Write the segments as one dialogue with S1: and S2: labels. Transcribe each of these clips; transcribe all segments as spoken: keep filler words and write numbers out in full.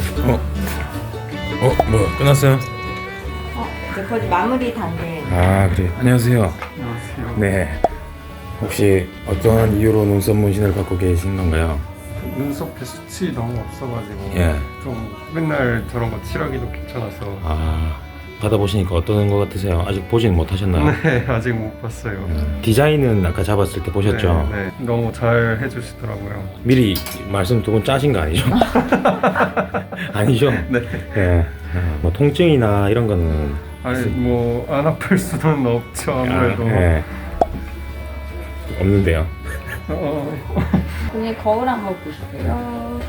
S1: 어? 어? 뭐 끝났어요?
S2: 어, 이제 거의 마무리 단계.
S1: 아 그래. 안녕하세요.
S3: 안녕하세요.
S1: 네. 혹시 어떠한 이유로 눈썹 문신을 받고 계신 건가요?
S3: 눈썹에 숱이 너무 없어가지고
S1: 예.
S3: 좀 맨날 저런 거 칠하기도 귀찮아서.
S1: 아 받아보시니까 어떤 것 같으세요? 아직 보지는 못하셨나요?
S3: 네, 아직 못 봤어요.
S1: 음, 디자인은 아까 잡았을 때 보셨죠?
S3: 네, 네. 너무 잘 해주시더라고요.
S1: 미리 말씀 두 분 짜신 거 아니죠? 아니죠?
S3: 네.
S1: 예. 아, 뭐 통증이나 이런 거는
S3: 아니 뭐 안 아플 수는 없죠 아무래도.
S1: 아, 예. 없는데요.
S3: 어,
S2: 그냥 거울 한번 보실게요.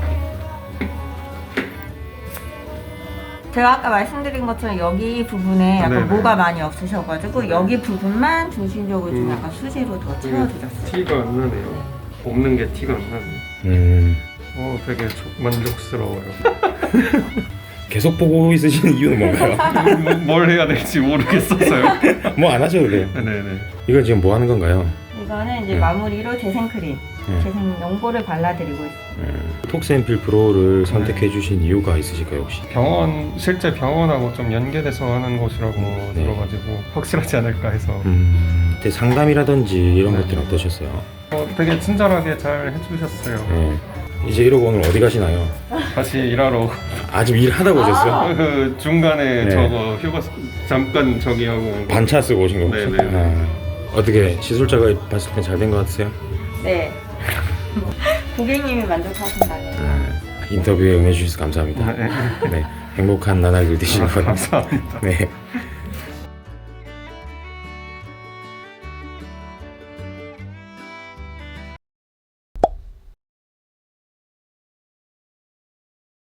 S2: 제가 아까 말씀드린 것처럼 여기 부분에 약간
S3: 네네.
S2: 모가 많이 없으셔가지고 여기 부분만 중심적으로 좀
S3: 음.
S2: 약간 수지로 더 채워드렸어요.
S3: 티가 안 나네요. 없는 게 티가 안 나네요.
S1: 음.
S3: 어, 되게 조- 만족스러워요.
S1: 계속 보고 있으시는 이유는 뭔가요?
S3: 뭐- 뭘 해야 될지 모르겠어서요.
S1: 뭐 안 하셔도 돼요.
S3: 네네.
S1: 이걸 지금 뭐 하는 건가요?
S2: 이거는 이제
S1: 네.
S2: 마무리로 재생크림,
S1: 네.
S2: 재생 용보를 발라드리고 있어요.
S1: 음, 톡스앰필 프로를 선택해 주신 이유가 있으실까요 혹시?
S3: 병원 실제 병원하고 좀 연계돼서 하는 곳이라고
S1: 네.
S3: 들어가지고 확실하지 않을까 해서.
S1: 음, 그때 상담이라든지 이런
S3: 네.
S1: 것들은 어떠셨어요?
S3: 어, 되게 친절하게 잘 해주셨어요.
S1: 네. 이제 이러고 오늘 어디 가시나요?
S3: 다시 일하러
S1: 아직 일하다 오셨어요?
S3: 그 중간에
S1: 네.
S3: 저거 휴가 잠깐 저기 하고 온 거.
S1: 반차 쓰고 오신 거 혹시?
S3: 네네.
S1: 아, 어떻게 시술자가 봤을 때 잘 된 것 같으세요?
S2: 네. 고객님이 만족하신다면.
S1: 아, 인터뷰에 응해주셔서 감사합니다.
S3: 네.
S1: 네, 행복한 나날들 되시길
S3: 아,
S1: 바랍니다.
S3: 감사합니다.
S1: 네.